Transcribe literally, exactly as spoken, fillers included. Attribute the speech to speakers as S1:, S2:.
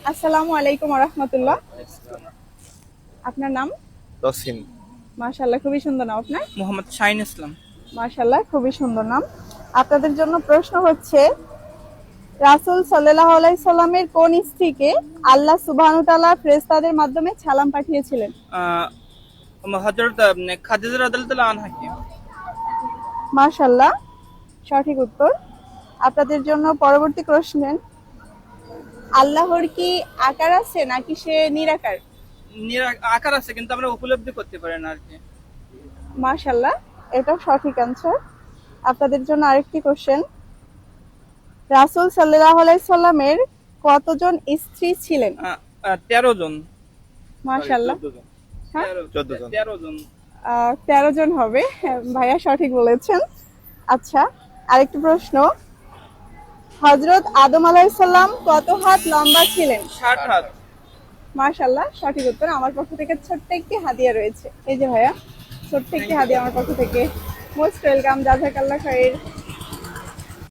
S1: আসসালামু আলাইকুম ওয়া রাহমাতুল্লাহ। আপনার নাম?
S2: তসিম।
S1: মাশাআল্লাহ, খুবই সুন্দর নাম আপনার।
S3: মোহাম্মদ শাহিন ইসলাম।
S1: মাশাআল্লাহ, খুবই সুন্দর নাম। আপনাদের জন্য প্রশ্ন হচ্ছে, রাসূল সাল্লাল্লাহু আলাইহি সাল্লামের কোন স্ত্রীকে আল্লাহ সুবহানাহু ওয়া তাআলা ফেরেশতাদের মাধ্যমে সালাম পাঠিয়েছিলেন?
S3: হযরত খাদিজা রাদিয়াল্লাহু আনহাকে।
S1: মাশাআল্লাহ, সঠিক উত্তর। আপনাদের জন্য পরবর্তী প্রশ্ন, আল্লাহর কি আকার আছে নাকি সে নিরাকার?
S3: নিরা- আকার আছে কিন্তু আমরা উপলব্ধি করতে পারি না আর কি।
S1: মাশাআল্লাহ, এটাও সঠিক অ্যানসার। আপনাদের জন্য আরেকটি কোশ্চেন, রাসূল সাল্লাল্লাহু আলাইহি সাল্লামের কতজন স্ত্রী ছিলেন?
S3: আহ, আহ, তেরো জন।
S1: মাশাআল্লাহ, হ্যাঁ,
S3: তেরো-
S2: চোদ্দ জন।
S3: তেরো জন।
S1: আহ, তেরো জন হবে। হ্যাঁ, ভাইয়া সঠিক বলেছেন। আচ্ছা, আরেকটি প্রশ্ন, হযরত আদম আলাইহিস সালাম কত হাত লম্বা ছিলেন?
S3: ষাট হাত।
S1: মাশাআল্লাহ, সঠিক উত্তর। আমার পক্ষ থেকে ছোট্ট একটি হাদিয়া রয়েছে। এই যে ভাইয়া, ছোট্ট একটি হাদিয়া আমার পক্ষ থেকে। মোস্ট ওয়েলকাম, জাযাকাল্লাহ খাইর।